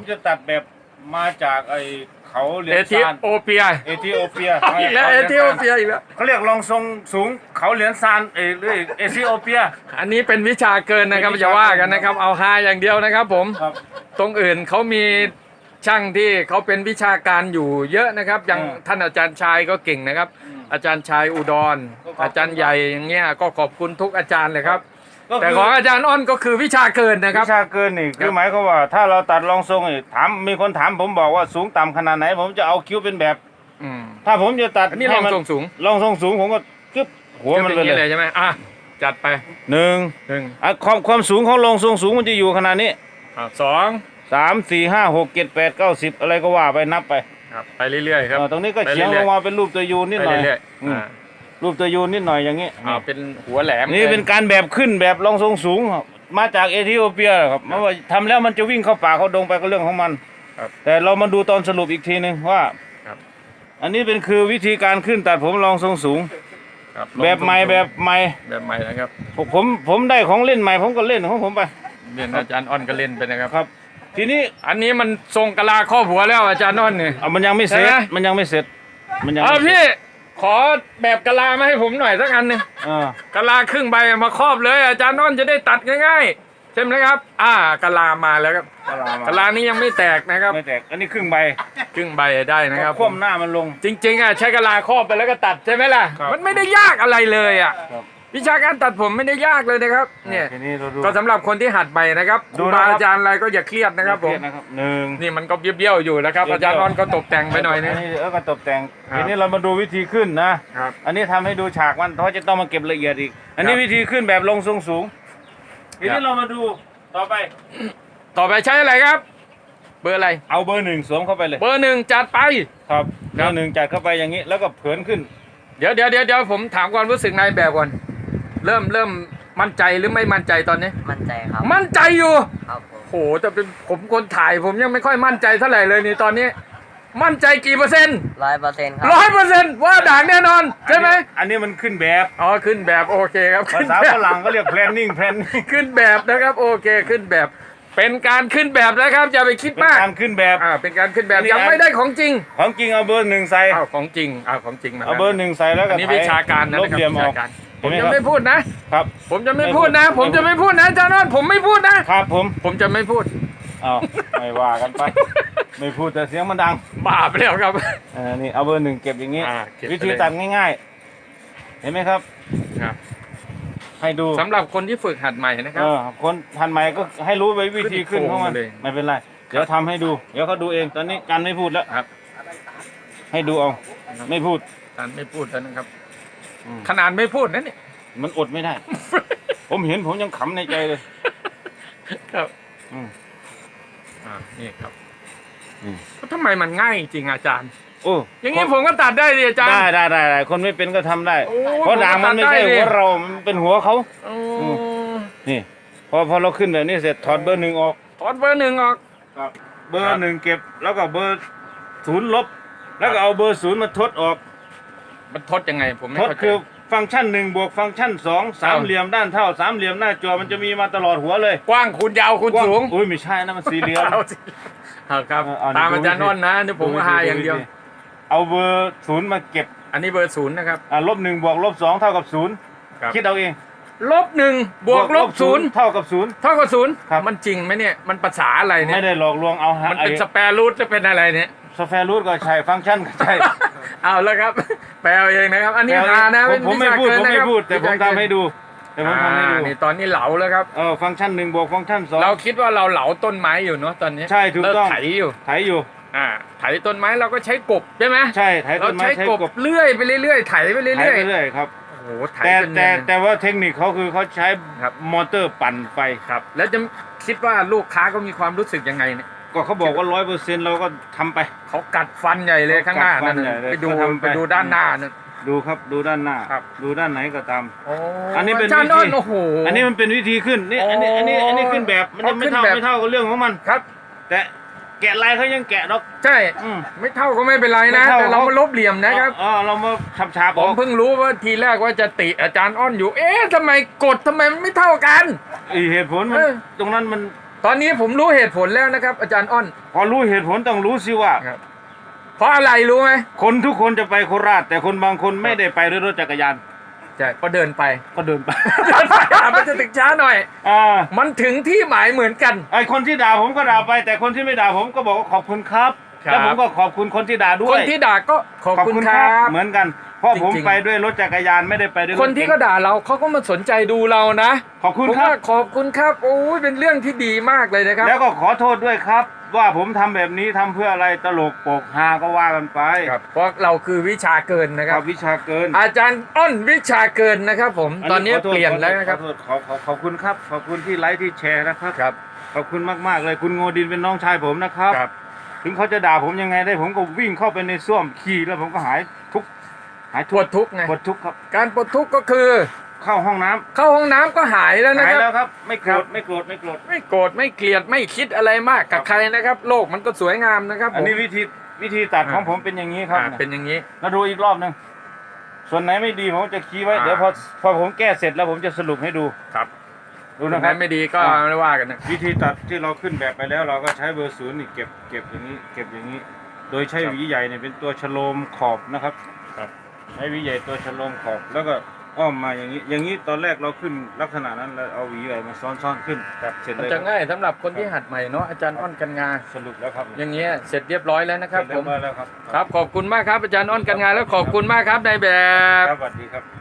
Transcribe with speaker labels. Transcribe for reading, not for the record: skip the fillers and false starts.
Speaker 1: จะตัดแบบมาจากไอเขาเหรีย
Speaker 2: เอ
Speaker 1: ญ
Speaker 2: ธิ
Speaker 1: ซาน
Speaker 2: โอเปีย
Speaker 1: เอธิโอเปีย
Speaker 2: อีกแล้วเอธิโอเปียอีกแล้ว
Speaker 1: เขาเรียกรองทรงสูงเขาเหรียญซานหรือเอธิโอเปีย
Speaker 2: อันนี้เป็นวิชาเกินนะครับอย่าว่ากันนะครับ เอาฮาอย่างเดียวนะครับผม
Speaker 1: ครับ
Speaker 2: ตรงอื่นเขามีช่างที่เขาเป็นวิชาการอยู่เยอะนะครับ อย่างท่านอาจารย์ชายก็เก่งนะครับ อาจารย์ชายอุดร อาจารย์ใหญ่อย่างเงี้ยก็ขอบคุณทุกอาจารย์เลยครับ แต่ของอาจารย์อ้อนก็คือวิชาเกินนะครับ
Speaker 1: วิชาเกินนี่คือหมายความว่าถ้าเราตัดรองทรงนี่ถามมีคนถามผมบอกว่าสูงต่ำขนาดไหน ผมจะเอาคิ้วเป็นแบบ
Speaker 2: อืม
Speaker 1: ถ้าผมจะตัด
Speaker 2: อันนี้ลองทรงสูง
Speaker 1: รองทรงสูงผมก็กึบหัวมัน
Speaker 2: เป็น
Speaker 1: ไป
Speaker 2: อย่าง
Speaker 1: เล
Speaker 2: นี้เลย
Speaker 1: ย
Speaker 2: ใช่ไหมอ่ะจัดไป
Speaker 1: หนึ่ง
Speaker 2: 1
Speaker 1: ความสูงของรองทรงสูงมันจะอยู่ขนาดนี้
Speaker 2: 2
Speaker 1: 3 4 5 6 7 8 9 10อะไรก็ว่าไปนับไป
Speaker 2: ครับไปเรื่อยๆครับ
Speaker 1: ตรงนี้ก็
Speaker 2: ไป
Speaker 1: เฉียง
Speaker 2: เรื่
Speaker 1: ล
Speaker 2: อย
Speaker 1: งมาเป็นรูปตัวยูนนิด
Speaker 2: ไป
Speaker 1: หน่อย
Speaker 2: เรื่อย
Speaker 1: อืม
Speaker 2: ๆ
Speaker 1: รูปตัวยูนนิดหน่อยอย่างนี้
Speaker 2: เป็นหัวแหลม
Speaker 1: นี่เป็นการแบบขึ้นแบบรองทรงสูงครับมาจากเอธิโอเปียครับมันว่าทำแล้วมันจะวิ่งเข้าป่าเข้าดงไปก็เรื่องของมัน
Speaker 2: ครับ
Speaker 1: แต่เรามาดูตอนสรุปอีกทีนึงว่า
Speaker 2: ครับ
Speaker 1: อันนี้เป็นคือวิธีการขึ้นตัดผมรองทรงสูง
Speaker 2: ครับ
Speaker 1: แบบใหม่แบบใหม่
Speaker 2: แบบใหม่นะครับ
Speaker 1: ผมได้ของเล่นใหม่ผมก็เล่นของผมไป
Speaker 2: เรียนอาจารย์อ้อนก็เล่นไปนะครับ
Speaker 1: ครับ ทีนี้
Speaker 2: อันนี้มันทรงกะลาครอบหัวแล้วอาจารย์อ้อนเนี่ย
Speaker 1: มันยังไม่เสร็จ
Speaker 2: ใช่ไหม
Speaker 1: มันยังไม่เสร็จมันยัง
Speaker 2: เอา
Speaker 1: ไม่เสร็จ
Speaker 2: พี่ขอแบบกะลามาให้ผมหน่อยสักอันหนึ่ง
Speaker 1: เออก
Speaker 2: ะลาครึ่งใบมาครอบเลย อาจารย์อ้อนจะได้ตัดง่ายๆใช่ไหมครับกะลามาแล้วครับ กะลานี้ยังไม่แตกนะครับ
Speaker 1: ไม่แตกอันนี้ครึ่งใบ
Speaker 2: ครึ่งใบได้นะครับ
Speaker 1: คว่ำหน้ามันลง
Speaker 2: จริงๆใช้กะลาครอบไปแล้วก็ตัดใช่ไหมล่ะ
Speaker 1: ครับ
Speaker 2: มันไม่ได้ยากอะไรเลย
Speaker 1: ครับ
Speaker 2: วิชาการตัดผมไม่ได้ยากเลยนะครับเนี่ย
Speaker 1: ทีนี้เราดู
Speaker 2: ก็สำหรับคนที่หัดใหม่นะครับค
Speaker 1: ดู
Speaker 2: รู
Speaker 1: นะครับ
Speaker 2: บาอาจารย์อะไรก็อย่าเครียดนะครับผม
Speaker 1: เรียกนะครับหนึ่ง
Speaker 2: นี่มันก็เบี้ยวๆอยู่นะครับ อาจารย์อ้อนก็ตกแต่งไปหน่อยนึง
Speaker 1: ก็ตกแต่ง
Speaker 2: ครับ
Speaker 1: ทีนี้เรามาดูวิธีขึ้นนะ
Speaker 2: ครับ
Speaker 1: อันนี้ทำให้ดูฉากมันเพราะจะต้องมาเก็บละเอียดอีก อันนี้
Speaker 2: ครับ
Speaker 1: วิธีขึ้นแบบลงทรงสูง ที
Speaker 2: ครั
Speaker 1: นี้
Speaker 2: บ
Speaker 1: เรามาดูต่อไป
Speaker 2: ต่อไปใช้อะไรครับ เบอร์อะไร
Speaker 1: เอาเบอร์หนึ่งสวมเข้าไปเลย
Speaker 2: เบอร์ 1จัดไป
Speaker 1: ครับเบอร์หนึ่งจัดเข้าไปอย่างนี้ แล้วก็เผินขึ้น
Speaker 2: เดี๋ยวผมถามความรู้สึกนายแบบก่อนเริ่มมั่นใจหรือไม่มั่นใจตอนนี้
Speaker 3: มั่นใจครับ
Speaker 2: มั่นใจอยู่
Speaker 3: ครับผม
Speaker 2: โหแต่เป็นผมคนถ่ายผมยังไม่ค่อยมั่นใจเท่าไหร่เลยนี่ตอนนี้ มั่นใจกี่เปอร์เซ็นต์
Speaker 3: 100%ครับ
Speaker 2: 100%ว่าด่างแน่นอนใช่ไหม
Speaker 1: อันนี้มันขึ้นแบบ
Speaker 2: อ๋อขึ้นแบบโอเคครับ
Speaker 1: ภาษาฝรั่งก็เรียก planning
Speaker 2: ขึ้นแบบนะครับโอเคขึ้นแบบ เป็นการขึ้นแบบนะครับอย่าไปคิด
Speaker 1: เป็น
Speaker 2: มาก
Speaker 1: การขึ้นแบบ
Speaker 2: เป็นการขึ้นแบบ
Speaker 1: อันนี้
Speaker 2: ยังไม่ได้ของจริง
Speaker 1: ของจริงเอาเบอร์หนึ่งใส่
Speaker 2: ของจริงของจริงมา
Speaker 1: เอาเบอร์หนึ่งใส่แล้วก็
Speaker 2: อันนี้วิชาการนะ
Speaker 1: ล
Speaker 2: นะ
Speaker 1: บ
Speaker 2: ครับ
Speaker 1: เหลี่ยม
Speaker 2: วิ
Speaker 1: ออ
Speaker 2: ชาก การผม
Speaker 1: เห็น
Speaker 2: จะ
Speaker 1: ไห
Speaker 2: ไม่พูดนะ
Speaker 1: ครับ
Speaker 2: ผมจะไม่พูดนะ ผมจะไม่พูดนะอาจารย์นนท์ผมไม่พูดนะ
Speaker 1: ครับผม
Speaker 2: ผมจะไม่พูด
Speaker 1: เอาไม่ว่ากันไป ไม่พูดแต่เสียงมันดัง
Speaker 2: บาปแล้วครับ
Speaker 1: นี่เอาเบอร์หนึ่งเก็บอย่างนี้
Speaker 2: เก็บไปเลย
Speaker 1: วิธีตัดง่ายๆ เห็นไหมครับ ให้ดู
Speaker 2: สำหรับคนที่ฝึกหัดใหม่นะครับ
Speaker 1: คนทันใหม่ก็ให้รู้ไปวิธีขึ้นของมัน
Speaker 2: ขึ้นโครงเลย
Speaker 1: ไม่เป็นไร เดี๋ยวทำให้ดู เดี๋ยวเขาดูเอง ตอนนี้กันไม่พูดแล้ว
Speaker 2: ครับ
Speaker 1: ให้ดูเอา ไม่พูด
Speaker 2: การไม่พูดแล้วนะครับ
Speaker 1: อืม
Speaker 2: ขนาดไม่พูดนะเนี่ย
Speaker 1: มันอดไม่ได้ ผมเห็นผมยังขำในใจเลย
Speaker 2: ครับ
Speaker 1: อืม
Speaker 2: นี่ครับ
Speaker 1: อืม
Speaker 2: ทำไมมันง่ายจริงอาจารย์
Speaker 1: โอ้
Speaker 2: อย่างนี้ผมก็ตัดได้ดิอาจารย์
Speaker 1: ได้คนไม่เป็นก็ทำได้
Speaker 2: โอ้
Speaker 1: เพราะด่างมันไม่ใช่
Speaker 2: ผมก็ตัดได้ดิ
Speaker 1: หัวเรา มันเป็นหัวเขา
Speaker 2: โอ้
Speaker 1: นี่ พอเราขึ้นแบบนี้เสร็จถอดเบอร์หนึ่งออก
Speaker 2: ถอดเบอร์ 1ออก
Speaker 1: เบอร์หนึ่งเก็บแล้วก็เบอร์ศูนย์ลบ แล้วก็เอาเบอร์ศูนย์มาทดออก
Speaker 2: มันทดยังไงผมไม่
Speaker 1: ทด
Speaker 2: เข้าใจ
Speaker 1: คือฟังก์ชันหนึ่งบวกฟังก์ชันสองสามเหลี่ยมด้านเท่าสามเหลี่ยมหน้าจอมันจะมีมาตลอดหัวเลย
Speaker 2: กว้างคูณยาวคูณสูง
Speaker 1: อุ้ยไม่ใช่นะมันสี่เหลี่ยม
Speaker 2: เอาสิเอาครับ
Speaker 1: เอา
Speaker 2: ตามอาจารย์นนท์นะนี่ผมก็หาอย่างเดียว
Speaker 1: เอาเบอร์ศูนย์มาเก็บ
Speaker 2: อันนี้เบอร์ 0นะครับ
Speaker 1: ลบหนึ่งบวกลบสองเท่ากับศูนย์
Speaker 2: ครับ
Speaker 1: คิดเอาเอง
Speaker 2: -1บวก-0
Speaker 1: เท่ากับศูนย์
Speaker 2: เท่ากับ0
Speaker 1: ครับ
Speaker 2: มันจริงไหมเนี่ยมันภาษาอะไรเนี่ย
Speaker 1: ไม่ได้หลอกลวงเอา
Speaker 2: มันเป็นสแปรรูทจะเป็นอะไรเนี่ย
Speaker 1: สแฟรูทก็ใช่ฟังก์ชันก็ใช่
Speaker 2: เอาแล้วครับ แปลเอาเองนะครับ อันนี้หานะ
Speaker 1: ผมไม่พูด
Speaker 2: วิชาเกินนะครับ
Speaker 1: แต่ผมทำให้ดูแต่ผมทำให้ดู
Speaker 2: นี่ตอนนี้เหลาแล้วครับ
Speaker 1: ฟังก์ชันหนึ่งบวกฟังก์ชันสอง
Speaker 2: เราคิดว่าเราเหลาต้นไม้อยู่เนาะตอนนี้
Speaker 1: ใช่ถูกต้อง
Speaker 2: เลิไถอยู่
Speaker 1: ไถอยู่
Speaker 2: ไถต้นไม้เราก็ใช้กบใช่ไหม
Speaker 1: ใช่ไถ
Speaker 2: เรา
Speaker 1: ต้นไม้
Speaker 2: ใช้
Speaker 1: ใช้
Speaker 2: ก
Speaker 1: ก
Speaker 2: บบ เลื่อยไปเรื่อยๆไถไป
Speaker 1: ไถ
Speaker 2: เรื่อย
Speaker 1: ไปเรื่อยครับ
Speaker 2: ๆโอ้โหไถ
Speaker 1: แต่
Speaker 2: จนเนียน
Speaker 1: แต่ว่าเทคนิคเขาคือเขาใช้
Speaker 2: ครับ
Speaker 1: มอเตอร์ปั่นไฟ
Speaker 2: ครับ แล้วจะคิดว่าลูกค้าก็มีความรู้สึกยังไงเนี่ย
Speaker 1: ก็เขาบอกว่า100%เราก็ทำไป
Speaker 2: เขากัดฟันใหญ่เลยข้างหน้านั่น
Speaker 1: กัดฟันใหญ่เลย
Speaker 2: ไปดู
Speaker 1: ก็ทำไป
Speaker 2: ไปดูด้านหน้านั่น
Speaker 1: ดูครับดูด้านหน้า
Speaker 2: ครับ
Speaker 1: ดูด้านไหนก็ตาม
Speaker 2: โอ้
Speaker 1: อันนี้เป็น
Speaker 2: อาจารย์
Speaker 1: วิธี
Speaker 2: อ้นโอ้โห
Speaker 1: อันนี้มันเป็นวิธีขึ้นนี่อันนี้ขึ้นแบบมันยังไม่เท่า
Speaker 2: ขึ้นแบบ
Speaker 1: ไม่เท่ากับเรื่องของมัน
Speaker 2: ครับ
Speaker 1: แต่แกะลายเขายังแกะดอก
Speaker 2: ใช่
Speaker 1: อืม
Speaker 2: ไม่เท่าก็ไม่เป็นไรนะ
Speaker 1: ไม่เท่า
Speaker 2: แต่เรามาลบเหลี่ยมนะครับ
Speaker 1: เรามาฉาบๆ
Speaker 2: ผ
Speaker 1: อ
Speaker 2: ม
Speaker 1: อก
Speaker 2: เพิ่งรู้ว่าทีแรกว่าจะติอาจารย์อ้อนอยู่ เอ๊ะทำไมกดทำไมมันไม่เท่ากัน
Speaker 1: เหตุผลมัน
Speaker 2: เออ
Speaker 1: ตรงนั้นมัน
Speaker 2: ตอนนี้ผมรู้เหตุผลแล้วนะครับ อาจารย์อ้อน
Speaker 1: พอรู้เหตุผลต้องรู้สิว่า
Speaker 2: ครับ เพราะอะไรรู้ไหม
Speaker 1: คนทุกคนจะไปโคราช แต่คนบางคนไม่ได้ไปด้วยรถจักรยาน
Speaker 2: ใช่ก็เดินไป
Speaker 1: ก็เดินไป
Speaker 2: มันจะถึงช้าหน่อย มันถึงที่หมายเหมือนกัน
Speaker 1: ไอคนที่ด่าผมก็ด่าไป แต่คนที่ไม่ด่าผมก็บอกว่าขอบคุณครับ
Speaker 2: ครับ
Speaker 1: แล้วผมก็ขอบคุณคนที่ด่าด้
Speaker 2: ค
Speaker 1: วน ย
Speaker 2: ที่ด่าก็ขอบคุณครับ
Speaker 1: เหมือนกัน เพราะผม
Speaker 2: จริงๆ
Speaker 1: ไปด้วยรถจักรยานไม่ได้ไปด้วยรถ
Speaker 2: คนที่
Speaker 1: ก๋ง
Speaker 2: ก็ด่าเราเขาก็มาสนใจดูเรานะ
Speaker 1: ขอบคุณ
Speaker 2: ผม
Speaker 1: ครับ
Speaker 2: ว่าขอบคุณครับโอ้ยเป็นเรื่องที่ดีมากเลยนะครับ
Speaker 1: แล้วก็ขอโทษด้วยครับ ว่าผมทำแบบนี้ทำเพื่ออะไรตลกโปกฮาก็ว่ากันไป
Speaker 2: ครับเพราะเราคือวิชาเกินนะค
Speaker 1: ค
Speaker 2: รั
Speaker 1: รับ บวิชาเกิน
Speaker 2: อาจารย์อ้นวิชาเกินนะครับ ผมตอนนี้
Speaker 1: ขโทษ
Speaker 2: เปลี่ยนแล้วนะครับ
Speaker 1: ขอโทษขอบคุณครับขอบคุณที่ไลค์ที่แชร์นะครับ
Speaker 2: ครับ
Speaker 1: ขอบคุณมากๆเลยคุณโงดินเป็นน้องชายผมนะครับ
Speaker 2: ครับ
Speaker 1: ถึงเขาจะด่าผมยังไงได้ผมก็วิ่งเข้าไปในส้วมขี่แล้วผมก็หายทุกข์หาย
Speaker 2: ปวดทุกข์ไง
Speaker 1: ปวดทุกข์ครับ
Speaker 2: การปวดทุกข์ก็คือ
Speaker 1: เข้าห้องน้ำ
Speaker 2: เข้าห้องน้ำก็หายแล้วนะ
Speaker 1: หาย
Speaker 2: ค
Speaker 1: แล้
Speaker 2: รับ
Speaker 1: วครับ ไม่โกร
Speaker 2: ครั
Speaker 1: ธ
Speaker 2: บ
Speaker 1: ไม่โกรธไม่โกรธ
Speaker 2: ไม่โกรธไม่เกลียดไม่คิดอะไรมากกับ
Speaker 1: ครับ
Speaker 2: ใครนะครับ โลกมันก็สวยงามนะครับ
Speaker 1: อัน
Speaker 2: ผม
Speaker 1: นี้วิธีตัดของผมเป็นอย่างนี้ครับ
Speaker 2: เป็นอย่างนี้
Speaker 1: แล้วดูอีกรอบหนึงส่วนไหนไม่ดีผมจะคีย์ไว้ เดี๋ยวพอผมแก้เสร็จแล้วผมจะสรุปให้ดู
Speaker 2: ครับ
Speaker 1: ดู
Speaker 2: ตร
Speaker 1: นะ
Speaker 2: ง
Speaker 1: ค
Speaker 2: ไห
Speaker 1: รั
Speaker 2: น
Speaker 1: บ
Speaker 2: ไม่ดีก็ไม่ว่ากันนะ
Speaker 1: วิธีตัดที่เราขึ้นแบบไปแล้วเราก็ใช้เบอร์ศูนย์นี่เก็บอย่างนี้เก็บอย่างนี้ โดยใช้
Speaker 2: ครับ
Speaker 1: หวีใหญ่เนี่ยเป็นตัวชโลมขอบนะครับ
Speaker 2: ครับ
Speaker 1: ใช้หวีใหญ่ตัวชโลมขอบ แล้วก็อ้อมมาอย่างนี้ อย่างนี้ตอนแรกเราขึ้นลักษณะนั้นเราเอาหวีใหญ่มาซ้อนขึ้นเสร็จ
Speaker 2: มัน
Speaker 1: เลย
Speaker 2: จะง่ายสำหรับคนที่หัดใหม่เนาะอาจารย์อ้อนกันงา
Speaker 1: สรุปแล้วครับ
Speaker 2: อย่างเงี้ยเสร็จเรียบร้อยแล้วนะครับ
Speaker 1: เสร็จ
Speaker 2: ผ
Speaker 1: เรีย
Speaker 2: ม
Speaker 1: บร้อยแล้วครับ
Speaker 2: ครับขอบคุณมากครับอาจารย์อ้อนกันงานแล้วขอบคุณมากครับนายแบบ
Speaker 1: ครับสวัสดีครับ